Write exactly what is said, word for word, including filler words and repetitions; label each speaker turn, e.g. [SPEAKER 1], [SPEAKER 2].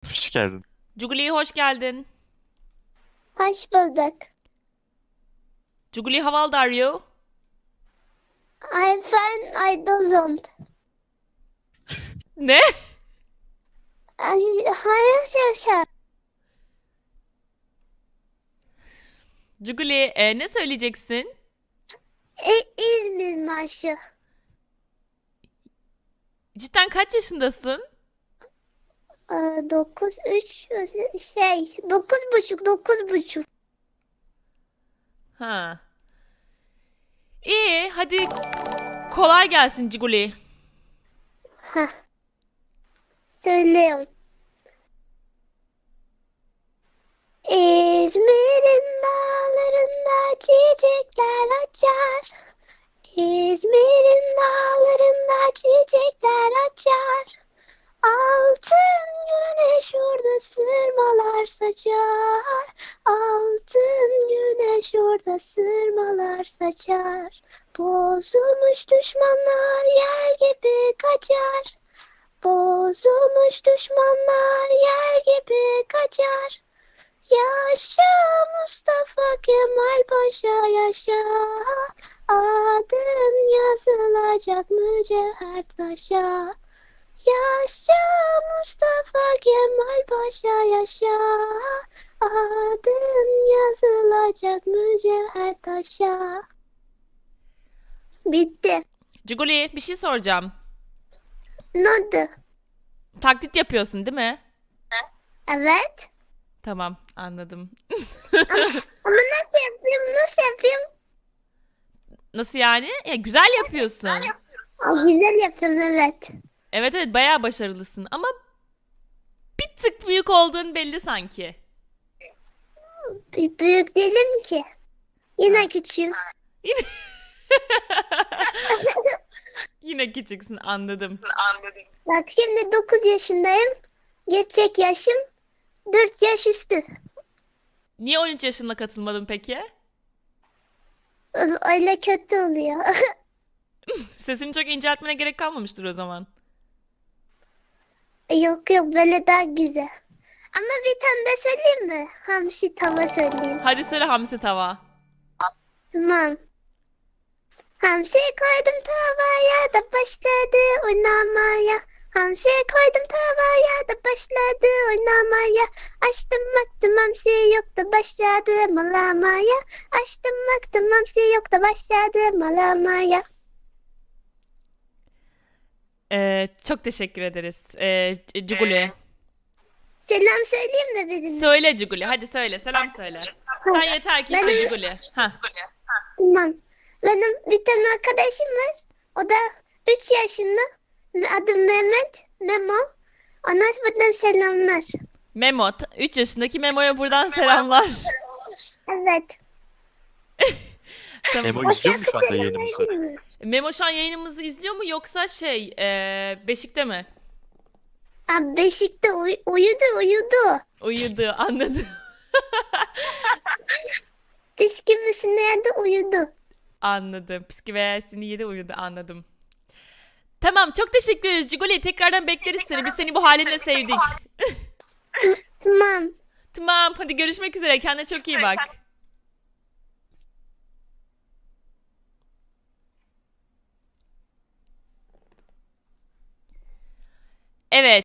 [SPEAKER 1] Hoş geldin.
[SPEAKER 2] Cuguli hoş geldin.
[SPEAKER 3] Hoş bulduk.
[SPEAKER 2] Cuguli, how old are you?
[SPEAKER 3] I'm fine. I don't.
[SPEAKER 2] Ne?
[SPEAKER 3] I, hayır yaşa.
[SPEAKER 2] Cuguli, e, ne söyleyeceksin?
[SPEAKER 3] E, İzmir marşı.
[SPEAKER 2] Cidden kaç yaşındasın?
[SPEAKER 3] E, dokuz, üç, şey, dokuz buçuk, dokuz buçuk.
[SPEAKER 2] Ha. İyi, hadi kolay gelsin Cuguli.
[SPEAKER 3] Heh. Söylüyorum. İzmir'in dağlarında çiçekler açar. İzmir'in dağlarında çiçekler açar. Altın güneş orada sırmalar saçar. Altın güneş orada sırmalar saçar. Bozulmuş düşmanlar yer gibi kaçar. Bozulmuş düşmanlar yer gibi kaçar. Yaşa Mustafa Kemal Paşa yaşa. Adın yazılacak mücevher taşa. Yaşa Mustafa Kemal Paşa yaşa. Adın yazılacak mücevher taşa. Bitti.
[SPEAKER 2] Cuguli, bir şey soracağım.
[SPEAKER 3] Ne oldu?
[SPEAKER 2] Taklit yapıyorsun değil mi?
[SPEAKER 3] Evet.
[SPEAKER 2] Tamam, anladım.
[SPEAKER 3] Ama, ama nasıl yapayım? Nasıl yapayım?
[SPEAKER 2] Nasıl yani? Ya, güzel yapıyorsun.
[SPEAKER 3] Aa, güzel yapıyorum evet.
[SPEAKER 2] Evet evet, bayağı başarılısın ama bir tık büyük olduğun belli sanki.
[SPEAKER 3] B- büyük değilim ki. Yine küçüğüm.
[SPEAKER 2] Yine yine küçüksün, anladım.
[SPEAKER 3] Bak şimdi dokuz yaşındayım. Gerçek yaşım dört yaş üstü.
[SPEAKER 2] Niye on üç yaşında katılmadın peki?
[SPEAKER 3] Ö- Öyle kötü oluyor.
[SPEAKER 2] Sesini çok inceltmene gerek kalmamıştır o zaman.
[SPEAKER 3] Yok yok böyle daha güzel. Ama bir tane de söyleyeyim mi? Hamsi tava söyleyeyim.
[SPEAKER 2] Hadi söyle hamsi tava.
[SPEAKER 3] Tamam. Hamsi koydum tavaya da başladı oynamaya. Hamsi koydum tavaya da başladı oynamaya. Açtım baktım hamsi yok da başladı malamaya. Açtım baktım hamsi yok da başladı malamaya.
[SPEAKER 2] Ee, çok teşekkür ederiz. Ee, C- Cuguli.
[SPEAKER 3] Selam söyleyeyim mi birine?
[SPEAKER 2] Söyle Cuguli. Hadi söyle. Selam söyle. Sen yeter ki iste
[SPEAKER 3] Benim-
[SPEAKER 2] Cuguli. Ha.
[SPEAKER 3] Tamam. Benim bir tane arkadaşım var. O da üç yaşında. Adı Mehmet. Memo. Ona buradan selamlar.
[SPEAKER 2] Memo. üç yaşındaki Memo'ya buradan selamlar.
[SPEAKER 3] Evet.
[SPEAKER 2] Tamam.
[SPEAKER 1] Memo izliyor mu şu anda yayınımızı?
[SPEAKER 3] söylemeyi
[SPEAKER 2] Memo şu an yayınımızı izliyor mu yoksa şey ee, Beşik'te mi?
[SPEAKER 3] Abi Beşik'te uy- uyudu uyudu.
[SPEAKER 2] Uyudu, anladım.
[SPEAKER 3] Bisküvisini yerde uyudu.
[SPEAKER 2] Anladım. Psikiyatrisini yedi, uyudu, anladım. Tamam, çok teşekkür ederiz Cuguli. Tekrardan bekleriz seni. Biz seni bu halinle sevdik.
[SPEAKER 3] Tamam.
[SPEAKER 2] Tamam, hadi görüşmek üzere. Kendine çok iyi bak. Evet.